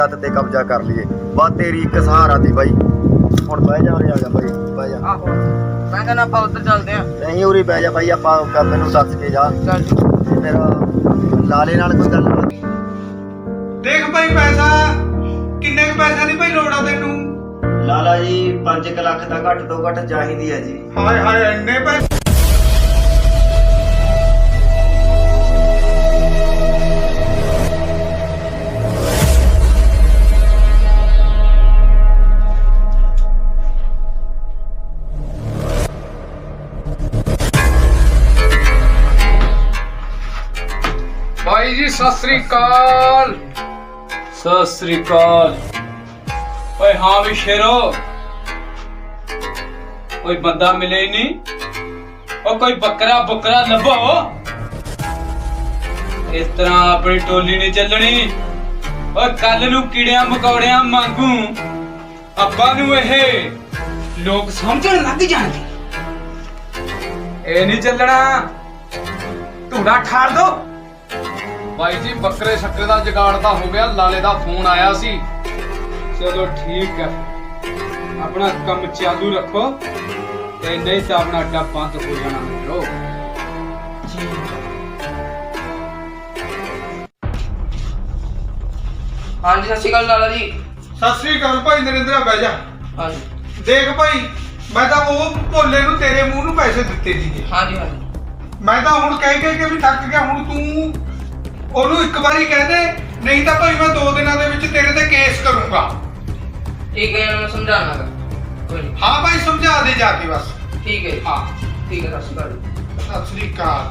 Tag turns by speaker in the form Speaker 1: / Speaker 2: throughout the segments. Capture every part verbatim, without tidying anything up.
Speaker 1: ਤੇ ਕਬਜ਼ਾ ਕਰ ਲਈਏ। ਬਸ ਤੇਰੀ ਇੱਕ ਸਹਾਰਾ ਦੀ ਬਾਈ। ਹੁਣ ਬਹਿ ਜਾ, ਉਰੇ ਆ ਜਾ ਬਾਈ, ਬਹਿ ਜਾ।
Speaker 2: ਆਹੋ ਮੈਂ ਕਹਿੰਦਾ ਆਪਾਂ ਉੱਧਰ ਚੱਲਦੇ ਆਂ।
Speaker 1: ਨਹੀਂ ਉਰੇ ਬਹਿ ਜਾ ਬਾਈ, ਆਪਾਂ ਮੈਨੂੰ ਦੱਸ ਕੇ ਜਾ।
Speaker 2: ਚੱਲ
Speaker 1: ਮੇਰਾ ਲਾਲੇ ਨਾਲ ਕੋਈ ਗੱਲ ਨਹੀਂ।
Speaker 3: ਦੇਖ ਭਾਈ ਪੈਸਾ ਕਿੰਨੇ ਕੁ ਪੈਸਿਆਂ ਦੀ ਭਾਈ ਲੋੜ ਆ ਤੈਨੂੰ?
Speaker 1: ਲਾਲਾ ਜੀ ਪੰਜ ਕੁ ਲੱਖ ਦਾ ਘੱਟ ਤੋਂ ਘੱਟ ਚਾਹੀਦੀ ਹੈ ਜੀ।
Speaker 3: ਹਾਏ ਹਾਏ ਇੰਨੇ ਪੈਸੇ?
Speaker 4: भाई जी सत श्री अकाल। सत श्री अकाल। ओए हाँ भी शेरो, कोई बंदा मिले ही नहीं और कोई बकरा बकरा लभो। इस तरह अपनी टोली नहीं चलनी। और कल नू कीड़िया मकौड़िया मांगू अब्बा नू एह लोग समझण लग जाणगे। ए नहीं चलना, धूड़ा ठार दो। भाई जी बकरे शक्करे का जुगाड़ तो हो गया, लाले का फोन आया सी। चलो ठीक है, अपना कम चालू रखो ते नहीं तो अपना अड्डा बंद हो जाना। मित्रो
Speaker 2: हाँ जी सत श्री अकाल लाला जी।
Speaker 3: ਸਤਿ ਸ੍ਰੀ ਅਕਾਲ ਭਾਈ ਨਰਿੰਦਰਾ, ਬਹਿ ਜਾ।
Speaker 2: हाँ जी
Speaker 3: ਦੇਖ ਭਾਈ ਮੈਂ ਤਾਂ ਉਹ ਭੋਲੇ ਨੂੰ ਤੇਰੇ ਮੂੰਹ ਨੂੰ ਪੈਸੇ ਦਿੱਤੇ ਸੀਗੇ।
Speaker 2: हाँ जी हाँ जी
Speaker 3: ਮੈਂ ਤਾਂ ਹੁਣ ਕਹਿ ਕਹਿ ਕੇ ਵੀ ਥੱਕ ਗਿਆ। ਹੁਣ ਤੂੰ ਉਹਨੂੰ ਇੱਕ ਵਾਰੀ ਕਹਿ ਦੇ, ਨਹੀਂ ਤਾਂ ਭਾਈ ਮੈਂ ਦੋ ਦਿਨਾਂ ਦੇ ਵਿੱਚ ਤੇਰੇ ਤੇ ਕੇਸ ਕਰੂੰਗਾ।
Speaker 2: ठीक है मैं समझाना गा। कोई नहीं।
Speaker 3: ਹਾਂ ਭਾਈ ਸਮਝਾ ਦੇ ਜਾ ਕੇ ਬਸ।
Speaker 2: ठीक है
Speaker 3: ਹਾਂ
Speaker 2: ठीक है सत श्री अकाल।
Speaker 3: ਸਤਿ ਸ੍ਰੀ ਅਕਾਲ।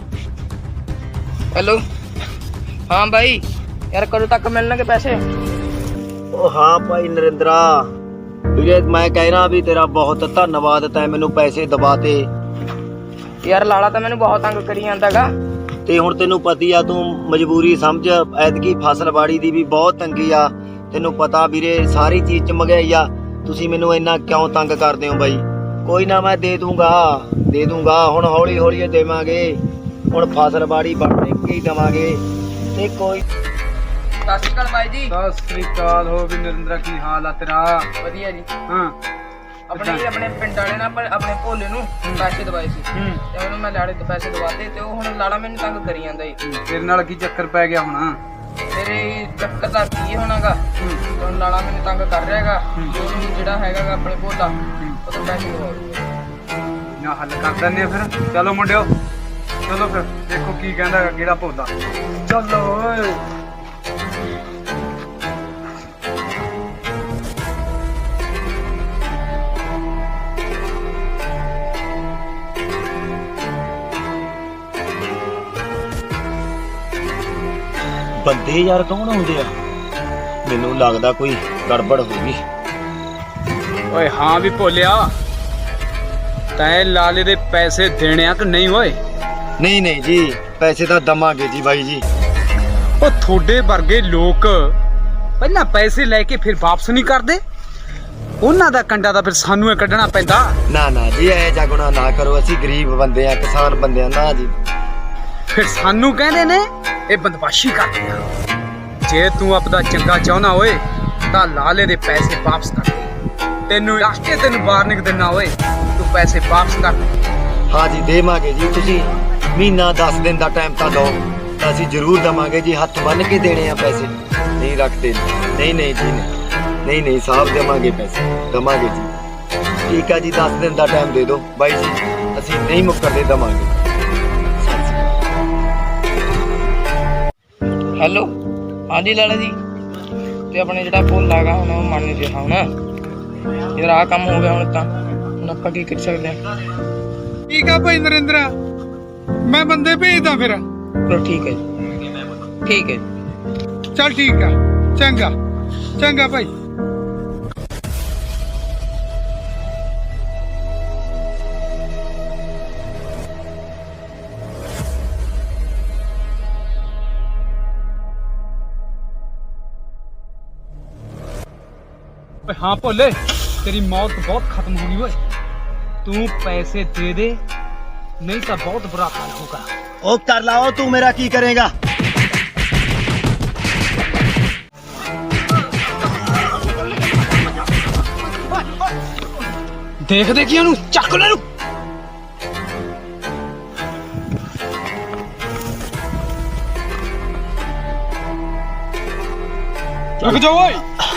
Speaker 2: हेलो हाँ भाई यार कदों तक मिलने के पैसे?
Speaker 1: ਉਹ ਹਾਂ ਭਾਈ ਨਰਿੰਦਰਾ ਵੀਰੇ, ਮੈਂ ਕਹਿਣਾ ਵੀ ਤੇਰਾ ਬਹੁਤ ਧੰਨਵਾਦ, ਤੈਂ ਮੈਨੂੰ ਪੈਸੇ ਦਬਾਤੇ।
Speaker 2: यार लाला तो मैंने बहुत तंग करी ਜਾਂਦਾ ਗਾ।
Speaker 1: ਤੇ ਹੁਣ ਤੈਨੂੰ ਪਤੀ ਆ, ਤੂੰ ਮਜਬੂਰੀ ਸਮਝ। ਐਤਕੀ ਫਸਲਬਾੜੀ ਦੀ ਵੀ ਬਹੁਤ ਤੰਗੀ ਆ, ਤੈਨੂੰ ਪਤਾ ਵੀਰੇ, ਸਾਰੀ ਚੀਜ਼ ਚ ਮਹਿੰਗਾਈ ਆ। ਤੁਸੀਂ ਮੈਨੂੰ ਇੰਨਾ ਕਿਉਂ ਤੰਗ ਕਰਦੇ ਹੋ ਬਾਈ? ਕੋਈ ਨਾ ਮੈਂ ਦੇ ਦੂੰਗਾ ਦੇ ਦੂੰਗਾ ਹੁਣ ਹੌਲੀ ਹੌਲੀ ਦੇਵਾਂਗੇ। ਹੁਣ ਫਸਲਬਾੜੀ ਬਣਨੇ ਕੀ ਦੇਵਾਂਗੇ ਤੇ ਕੋਈ।
Speaker 2: ਸਤਿ ਸ਼੍ਰੀ ਅਕਾਲ ਬਾਈ ਜੀ।
Speaker 4: सत श्री अकाल। हो भी नरेंद्र की हाल है तेरा?
Speaker 2: ਵਧੀਆ ਜੀ।
Speaker 4: हाँ
Speaker 2: ਆਪਣੇ ਹੀ ਆਪਣੇ ਪਿੰਡ ਵਾਲੇ ਨਾਲ ਪਰ ਆਪਣੇ ਭੋਲੇ ਨੂੰ ਪੈਸੇ ਦਵਾਏ ਸੀ
Speaker 4: हम्म
Speaker 2: ਤੇ ਉਹਨੂੰ ਮੈਂ ਲਾੜੇ ਤੋਂ ਪੈਸੇ ਦਵਾਤੇ ਤੇ ਉਹ ਹੁਣ ਲਾੜਾ ਮੈਨੂੰ ਤੰਗ ਕਰੀ ਜਾਂਦਾ ਜੀ।
Speaker 4: तेरे नाल की चक्कर पै गया होना?
Speaker 2: ਮੇਰੇ ਚੱਕਰ ਦਾ ਕੀ ਹੋਣਾਗਾ? ਹੁਣ ਲਾੜਾ ਮੈਨੂੰ ਤੰਗ ਕਰ ਰਿਹਾ ਹੈਗਾ। ਉਹਨੂੰ ਜਿਹੜਾ ਹੈਗਾ ਗਾ ਆਪਣੇ ਭੋਲਾ ਉਹ ਤੋਂ ਪੈਸੇ ਦਵਾਓ।
Speaker 4: ना हल कर देने फिर। चलो मुंडियो चलो फिर देखो की कहंदा है केड़ा भोला। चलो ओए
Speaker 1: ਬੰਦੇ ਯਾਰ ਕੌਣ ਆਉਂਦੇ ਆ? ਮੈਨੂੰ ਲੱਗਦਾ ਕੋਈ ਗੜਬੜ ਹੋ ਗਈ।
Speaker 4: ओए हाँ भी भोलिया, तैं लाले दे पैसे देने आ कि नहीं? ओए
Speaker 1: ਨਹੀਂ ਨਹੀਂ ਜੀ, ਪੈਸੇ ਤਾਂ ਦਵਾਂਗੇ ਜੀ ਬਾਈ ਜੀ।
Speaker 4: ਉਹ ਤੁਹਾਡੇ ਵਰਗੇ ਲੋਕ ਪਹਿਲਾਂ ਪੈਸੇ ਲੈ ਕੇ ਫਿਰ ਵਾਪਸ ਨਹੀਂ ਕਰਦੇ। ਉਹਨਾਂ ਦਾ ਕੰਡਾ ਤਾਂ ਫਿਰ ਸਾਨੂੰ ਹੀ ਕੱਢਣਾ ਪੈਂਦਾ।
Speaker 1: ਨਾ ਨਾ ਜੀ, ਐ ਜਾਗਣਾ ਨਾ ਕਰੋ, ਅਸੀਂ ਗਰੀਬ ਬੰਦੇ ਆ, ਕਿਸਾਨ ਬੰਦੇ ਆ ਨਾ ਜੀ।
Speaker 4: ਫਿਰ ਸਾਨੂੰ ਕਹਿੰਦੇ ਨੇ ਇਹ ਬਦਮਾਸ਼ੀ ਕਰਦੇ ਆ। ਜੇ ਤੂੰ ਆਪਦਾ ਚੰਗਾ ਚਾਹਣਾ ਓਏ ਤਾਂ ਲਾਲੇ ਦੇ ਪੈਸੇ ਵਾਪਸ ਕਰ ਦੇ। ਤੈਨੂੰ ਰਾਸ਼ਟੇ ਤੈਨੂੰ ਵਾਰਨਿੰਗ ਦਿੰਨਾ ਓਏ, ਤੂੰ ਪੈਸੇ ਵਾਪਸ ਕਰ ਦੇ।
Speaker 1: ਹਾਂ ਜੀ ਦੇਵਾਂਗੇ ਜੀ, ਤੁਸੀਂ ਮਹੀਨਾ ਦਸ ਦਿਨ ਦਾ ਟਾਈਮ ਤਾਂ ਦਿਓ, ਤਾਂ ਅਸੀਂ ਜ਼ਰੂਰ ਦੇਵਾਂਗੇ ਜੀ। ਹੱਥ ਬੰਨ ਕੇ ਦੇਣੇ ਆ ਪੈਸੇ, ਨਹੀਂ ਰੱਖਦੇ। ਨਹੀਂ ਨਹੀਂ ਜੀ, ਨਹੀਂ ਨਹੀਂ ਸਾਹਿਬ, ਦੇਵਾਂਗੇ ਪੈਸੇ, ਦੇਵਾਂਗੇ ਜੀ। ਠੀਕ ਆ ਜੀ, ਦਸ ਦਿਨ ਦਾ ਟਾਈਮ ਦੇ ਦਿਓ ਬਾਈ ਜੀ, ਅਸੀਂ ਨਹੀਂ ਮੁੱਕਰਦੇ, ਦੇਵਾਂਗੇ।
Speaker 2: ਹੈਲੋ ਹਾਂਜੀ ਲਾਲਾ ਜੀ। ਤੇ ਆਪਣੇ ਜਿਹੜਾ ਭੋਲਾ ਹੈਗਾ ਹੁਣ ਉਹ ਮੰਨ ਨਹੀਂ ਰਿਹਾ ਹੁਣ। ਯਾਰ ਆਹ ਕੰਮ ਹੋ ਗਿਆ ਹੁਣ ਤਾਂ ਹੁਣ ਆਪਾਂ ਕੀ ਕਰ ਸਕਦੇ ਹਾਂ?
Speaker 3: ਠੀਕ ਆ ਭਾਈ ਨਰਿੰਦਰਾ, ਮੈਂ ਬੰਦੇ ਭੇਜਦਾ ਫਿਰ।
Speaker 2: ਚਲੋ ਠੀਕ ਹੈ ਜੀ। ਠੀਕ ਹੈ ਜੀ।
Speaker 3: ਚੱਲ ਠੀਕ ਆ, ਚੰਗਾ ਚੰਗਾ ਭਾਈ।
Speaker 4: हाँ भोले, तेरी मौत बहुत खत्म होगी ओए। तू पैसे दे दे नहीं तो बहुत बुरा हाल होगा।
Speaker 1: ओ कर लाओ, तू मेरा की करेगा?
Speaker 4: ਦੇਖ ਦੇਖੀ ਉਹਨੂੰ ਚੱਕ ਲੈ ਨੂੰ ਚੱਕ ਜਾ ਓਏ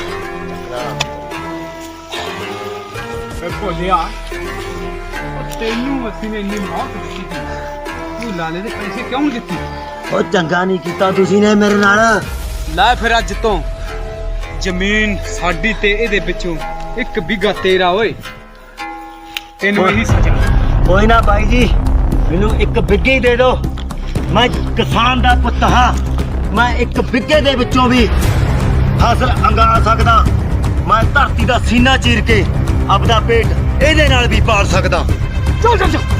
Speaker 4: ਏ ਭੋਲਿਆ ਉਹ ਤੈਨੂੰ ਅਸੀਂ ਨੇ ਇੰਨੀ ਮੌਤ ਦਿੱਤੀ ਸੀ ਤੂੰ ਲਾਲੇ ਦੇ ਪੈਸੇ ਕਿਉਂ ਨਹੀਂ ਦਿੱਤੇ
Speaker 1: ਉਹ ਚੰਗਾ ਨਹੀਂ ਕੀਤਾ ਤੁਸੀਂ ਨੇ ਮੇਰੇ ਨਾਲ।
Speaker 4: ਲੈ ਫਿਰ ਅੱਜ ਤੋਂ ਜ਼ਮੀਨ ਸਾਡੀ ਤੇ ਇਹਦੇ ਵਿੱਚੋਂ ਇੱਕ ਬਿੱਗਾ ਤੇਰਾ ਓਏ ਤੈਨੂੰ ਇਹੀ ਸਜ਼ਾ।
Speaker 1: ਕੋਈ ਨਾ ਬਾਈ ਜੀ, ਮੈਨੂੰ ਇੱਕ ਬਿੱਗੇ ਹੀ ਦੇ ਦਿਓ। ਮੈਂ ਕਿਸਾਨ ਦਾ ਪੁੱਤ ਹਾਂ, ਮੈਂ ਇੱਕ ਬਿੱਗੇ ਦੇ ਵਿੱਚੋਂ ਵੀ ਫਸਲ ਅੰਗਾ ਸਕਦਾ। ਮੈਂ ਧਰਤੀ ਦਾ ਸੀਨਾ ਚੀਰ ਕੇ ਆਪਦਾ ਪੇਟ ਇਹਦੇ ਨਾਲ ਵੀ ਪਾਲ ਸਕਦਾ।
Speaker 4: ਚੱਲ ਚੱਲ ਚੱਲ